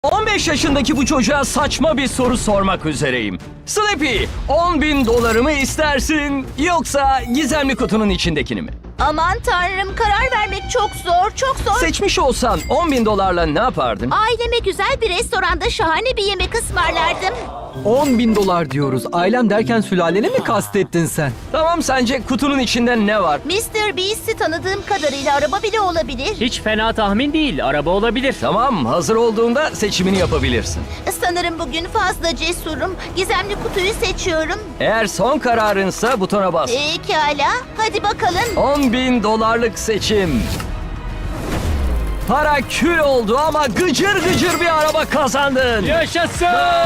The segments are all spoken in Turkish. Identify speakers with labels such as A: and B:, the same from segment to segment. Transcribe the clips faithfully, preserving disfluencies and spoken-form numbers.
A: on beş yaşındaki bu çocuğa saçma bir soru sormak üzereyim. Sleepy, on bin dolarımı istersin yoksa gizemli kutunun içindekini mi?
B: Aman tanrım, karar vermek çok zor, çok zor.
A: Seçmiş olsan on bin dolarla ne yapardın?
B: Aileme güzel bir restoranda şahane bir yemek ısmarlardım.
C: on bin dolar diyoruz. Ailem derken sülaleni mi kastettin sen?
A: Tamam, sence kutunun içinde ne var?
B: mister Beast'i tanıdığım kadarıyla araba bile olabilir.
D: Hiç fena tahmin değil. Araba olabilir.
A: Tamam, hazır olduğunda seçimini yapabilirsin.
B: Sanırım bugün fazla cesurum. Gizemli kutuyu seçiyorum.
A: Eğer son kararınsa butona bas.
B: Pekala, hadi bakalım.
A: on bin dolarlık seçim. Para kül oldu ama gıcır gıcır bir araba kazandın.
D: Yaşasın!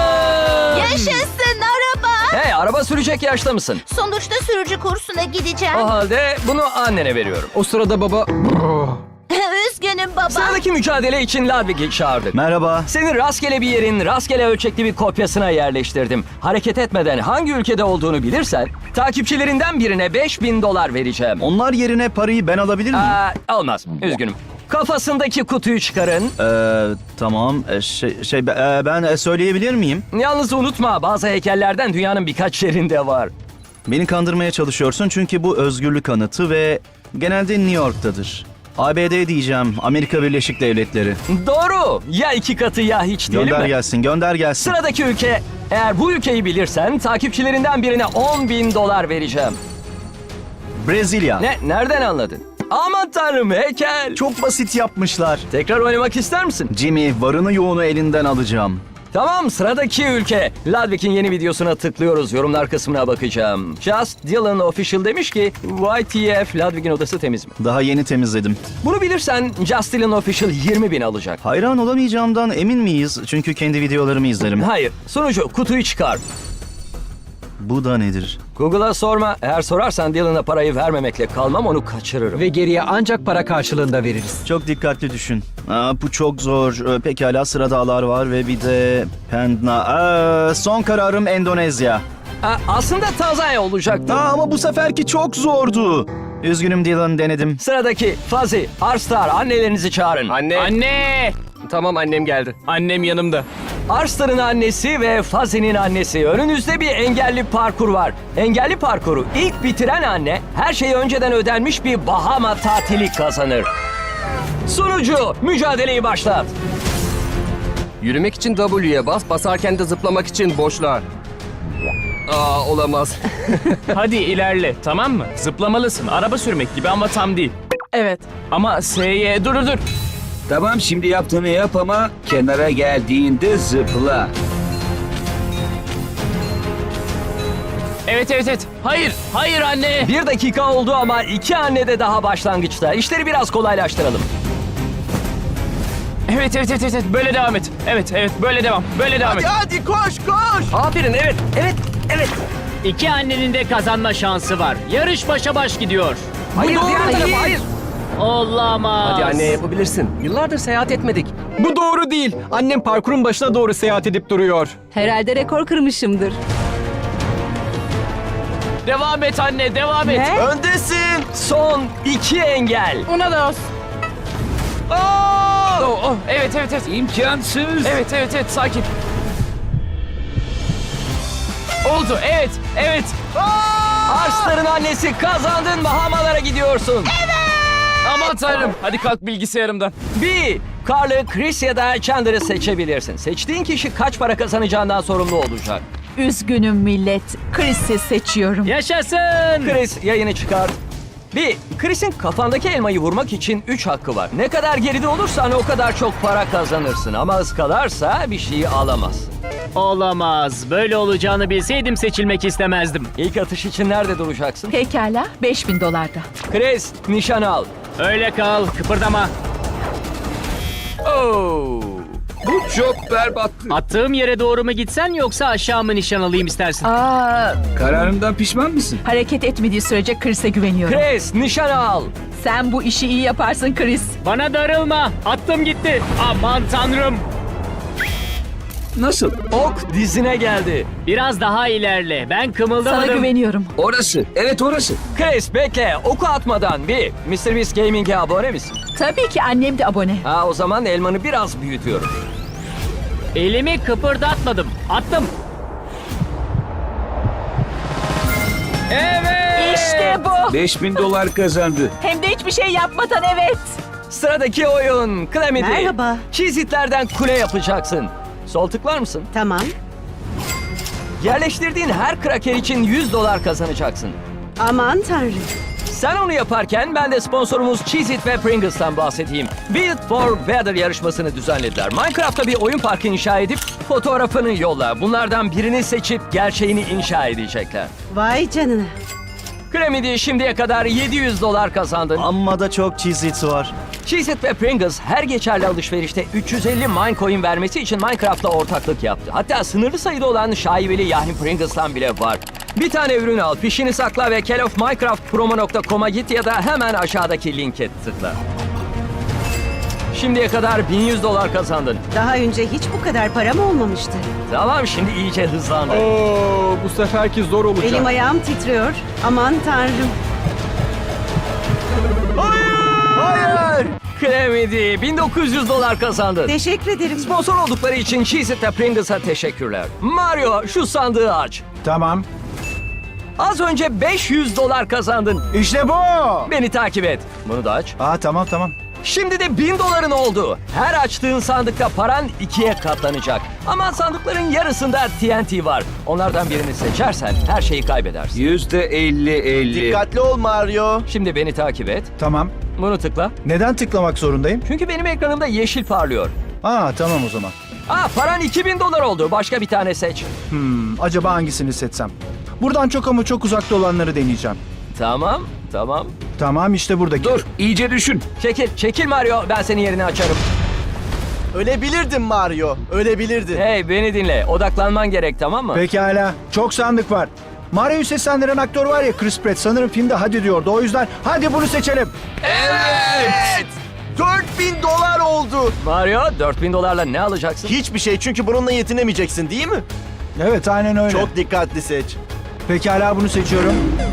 B: Yaşasın araba.
A: Hey, araba sürecek yaşta mısın?
B: Sonuçta sürücü kursuna gideceğim.
A: O halde bunu annene veriyorum.
C: O sırada baba...
B: Üzgünüm baba.
A: Sıradaki mücadele için Ludwig'i çağırdık.
E: Merhaba.
A: Seni rastgele bir yerin rastgele ölçekli bir kopyasına yerleştirdim. Hareket etmeden hangi ülkede olduğunu bilirsen takipçilerinden birine beş bin dolar vereceğim.
E: Onlar yerine parayı ben alabilir miyim?
A: Aa, olmaz. Üzgünüm. Kafasındaki kutuyu çıkarın.
E: Ee, tamam. Ee, şey, şey e, ben e, söyleyebilir miyim?
A: Yalnız unutma, bazı heykellerden dünyanın birkaç yerinde var.
E: Beni kandırmaya çalışıyorsun çünkü bu özgürlük anıtı ve genelde New York'tadır. A B D diyeceğim. Amerika Birleşik Devletleri.
A: Doğru. Ya iki katı ya hiç değil
E: Gönder
A: mi?
E: gelsin, gönder gelsin.
A: Sıradaki ülke, eğer bu ülkeyi bilirsen takipçilerinden birine on bin dolar vereceğim.
E: Brezilya.
A: Ne? Nereden anladın? Aman tanrım, heykel.
E: Çok basit yapmışlar.
A: Tekrar oynamak ister misin?
E: Jimmy, varını yoğunu elinden alacağım.
A: Tamam, sıradaki ülke. Ludwig'in yeni videosuna tıklıyoruz. Yorumlar kısmına bakacağım. Just Dylan Official demiş ki Y T F, Ludwig'in odası temiz mi?
E: Daha yeni temizledim.
A: Bunu bilirsen Just Dylan Official yirmi bin alacak.
E: Hayran olamayacağımdan emin miyiz? Çünkü kendi videolarımı izlerim.
A: Hayır. Sunucu, kutuyu çıkar.
E: Bu da nedir?
A: Google'a sorma. Eğer sorarsan Dylan'a parayı vermemekle kalmam, onu kaçırırım.
C: Ve geriye ancak para karşılığında veririz.
E: Çok dikkatli düşün. Aa, bu çok zor. Ee, Pekala, sıradalar var ve bir de Pendna. Aa, son kararım Endonezya.
A: Ha, aslında Tanzanya olacaktı.
E: Aa, ama bu seferki çok zordu. Üzgünüm Dylan, denedim.
A: Sıradaki Fazi, Arstar, annelerinizi çağırın.
F: Anne.
D: Anne!
F: Tamam, annem geldi.
D: Annem yanımda.
A: Arstar'ın annesi ve Fazi'nin annesi. Önünüzde bir engelli parkur var. Engelli parkuru ilk bitiren anne her şey önceden ödenmiş bir Bahama tatili kazanır. Sunucu, mücadeleyi başlat.
F: Yürümek için W'ye bas, basarken de zıplamak için boşluğa. Aa, olamaz.
D: Hadi ilerle, tamam mı? Zıplamalısın. Araba sürmek gibi ama tam değil.
G: Evet.
D: Ama S'ye... Dur dur dur.
H: Tamam, şimdi yaptığını yap ama kenara geldiğinde zıpla.
D: Evet evet evet. Hayır, hayır anne.
A: Bir dakika oldu ama iki anne de daha başlangıçta. İşleri biraz kolaylaştıralım.
D: Evet evet evet evet. Böyle devam et. Evet evet böyle devam. Böyle devam et.
F: Hadi koş koş.
A: Aferin, evet, evet, evet.
D: İki annenin de kazanma şansı var. Yarış başa baş gidiyor.
A: Hayır, diğer tarafa, hayır.
D: Olamaz.
F: Hadi anne, yapabilirsin. Yıllardır seyahat etmedik.
C: Bu doğru değil. Annem parkurun başına doğru seyahat edip duruyor.
G: Herhalde rekor kırmışımdır.
D: Devam et anne, devam et.
G: Ne?
A: Öndesin. Son iki engel.
G: Una dos.
D: Oh, oh, evet evet evet.
H: İmkansız.
D: Evet evet evet sakin. Oldu evet evet.
A: Arstar'ın annesi, kazandın, Bahamalara gidiyorsun.
D: Aman tanrım. Hadi kalk bilgisayarımdan.
A: Bir, Carl'ı, Chris ya da Chandler'ı seçebilirsin. Seçtiğin kişi kaç para kazanacağından sorumlu olacak.
G: Üzgünüm millet. Chris'i seçiyorum.
D: Yaşasın.
A: Chris, yayını çıkart. Bir, Chris'in kafandaki elmayı vurmak için üç hakkı var. Ne kadar geride olursan o kadar çok para kazanırsın. Ama ıskalarsa bir şeyi alamaz.
D: Olamaz. Böyle olacağını bilseydim seçilmek istemezdim.
A: İlk atış için nerede duracaksın?
G: Pekala, beş bin dolarda.
A: Chris, nişan al.
D: Öyle kal, kıpırdama.
A: Oo.
H: Bu çok berbattı.
D: Attığım yere doğru mu gitsen yoksa aşağı mı nişan alayım istersin?
G: Aa,
H: Kararından pişman mısın?
G: hareket etmediği sürece Chris'e güveniyorum.
A: Chris, nişan al.
G: Sen bu işi iyi yaparsın Chris.
D: Bana darılma. Attım gitti. Aman tanrım.
H: Nasıl?
A: Ok dizine geldi.
D: Biraz daha ilerle. Ben
G: Sana
D: kımıldamadım.
G: güveniyorum.
H: Orası. Evet, orası.
A: Chris, bekle. Oku atmadan bir. mister Beast Gaming'e abone misin?
G: Tabii ki annem de abone.
A: Ha, o zaman elmanı biraz büyütüyorum.
D: Elimi kıpırdatmadım. Attım. Evet.
G: İşte bu.
H: beş bin dolar kazandı.
G: Hem de hiçbir şey yapmadan evet.
A: Sıradaki oyun Calamity.
I: Merhaba.
A: Çizitlerden kule yapacaksın. Sol tıklar mısın?
I: Tamam.
A: Yerleştirdiğin her kraker için yüz dolar kazanacaksın.
I: Aman tanrım.
A: Sen onu yaparken ben de sponsorumuz Cheez-It ve Pringles'tan bahsedeyim. Build for Better yarışmasını düzenlediler. Minecraft'ta bir oyun parkı inşa edip fotoğrafını yolla. Bunlardan birini seçip gerçeğini inşa edecekler.
I: Vay canına.
A: Calamity şimdiye kadar yedi yüz dolar kazandın.
E: Amma da çok Cheez-Its var.
A: Cheez-It ve Pringles her geçerli alışverişte üç yüz elli Minecoin vermesi için Minecraft'la ortaklık yaptı. Hatta sınırlı sayıda olan şaibeli yani Pringles'tan bile var. Bir tane ürün al, fişini sakla ve care of minecraft promo nokta com'a git ya da hemen aşağıdaki linke tıkla. Şimdiye kadar bin yüz dolar kazandın.
I: Daha önce hiç bu kadar param olmamıştı.
A: Tamam, şimdi iyice hızlandı.
C: Oo, bu seferki zor olacak.
I: Elim ayağım titriyor. Aman tanrım.
E: Hayır!
A: Calamity bin dokuz yüz dolar kazandın.
I: Teşekkür ederim.
A: Sponsor oldukları için Cheez-It ve Pringles'a teşekkürler. Mario, şu sandığı aç.
J: Tamam.
A: Az önce beş yüz dolar kazandın.
J: İşte bu.
A: Beni takip et. Bunu da aç.
J: Aa tamam tamam.
A: Şimdi de bin doların oldu. Her açtığın sandıkta paran ikiye katlanacak. Ama sandıkların yarısında T N T var. Onlardan birini seçersen her şeyi kaybedersin.
H: Yüzde elli elli.
E: Dikkatli ol Mario.
A: Şimdi beni takip et.
J: Tamam.
A: Bunu tıkla.
J: Neden tıklamak zorundayım?
A: Çünkü benim ekranımda yeşil parlıyor.
J: Aa tamam o zaman.
A: Aa, paran iki bin dolar oldu. Başka bir tane seç.
J: Hmm, acaba hangisini seçsem? Buradan çok ama çok uzakta olanları deneyeceğim.
A: Tamam, tamam.
J: Tamam işte buradaki.
H: Dur, iyice düşün.
A: Çekil, çekil Mario. Ben senin yerini açarım.
E: Ölebilirdin Mario. Ölebilirdin.
A: Hey, beni dinle. Odaklanman gerek, tamam mı?
J: Pekala. Çok sandık var. Mario'yu seslendiren aktör var ya Chris Pratt sanırım filmde hadi diyordu. O yüzden hadi bunu seçelim.
E: Evet! dört bin dolar oldu.
A: Mario, dört bin dolarla ne alacaksın?
E: Hiçbir şey, çünkü bununla yetinemeyeceksin değil mi?
J: Evet aynen öyle.
E: Çok dikkatli seç.
J: Pekala bunu seçiyorum.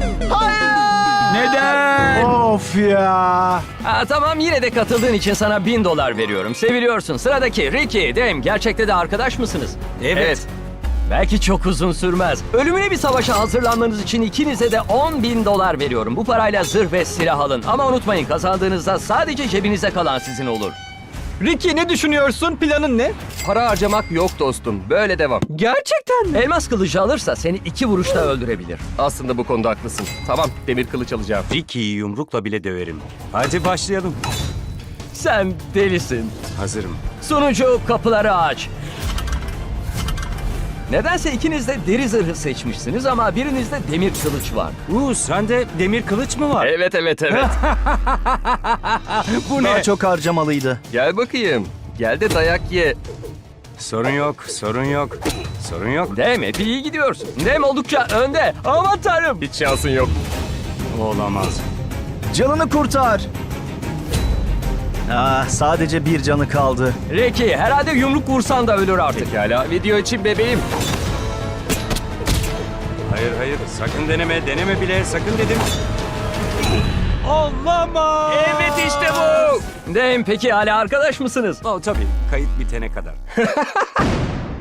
H: Neden?
J: Of ya.
A: Aa, tamam, yine de katıldığın için sana bin dolar veriyorum. Seviliyorsun. Sıradaki Ricky, Dame, gerçekte de arkadaş mısınız? Evet. Belki çok uzun sürmez. Ölümüne bir savaşa hazırlanmanız için ikinize de on bin dolar veriyorum. Bu parayla zırh ve silah alın. Ama unutmayın, kazandığınızda sadece cebinize kalan sizin olur.
C: Ricky ne düşünüyorsun? Planın ne?
F: Para harcamak yok dostum. Böyle devam.
C: Gerçekten mi?
A: Elmas kılıcı alırsa seni iki vuruşta öldürebilir.
F: Aslında bu konuda haklısın. Tamam, demir kılıç alacağım.
K: Ricky'yi yumrukla bile döverim. Hadi başlayalım.
A: Sen delisin.
K: Hazırım.
A: Sunucu, kapıları aç. Nedense ikiniz de deri zırhı seçmişsiniz ama birinizde demir kılıç var.
K: Uuu sende demir kılıç mı var?
A: Evet, evet, evet.
K: Bu
E: Daha
K: ne?
E: çok harcamalıydı.
F: Gel bakayım. Gel de dayak ye.
K: Sorun yok, sorun yok. Sorun yok.
A: Dem, epey iyi gidiyorsun. Dem oldukça önde. Aman tanrım.
F: Hiç şansın yok.
K: Olamaz.
E: Canını kurtar. Ah, sadece bir canı kaldı.
A: Ricky, herhalde yumruk vursan da ölür artık.
F: Pekala, video için bebeğim.
K: Hayır hayır, sakın deneme, deneme bile, sakın dedim. Olamaz.
A: Evet, işte bu. Dem, peki hala arkadaş mısınız?
K: Oh, tabii, kayıt bitene kadar.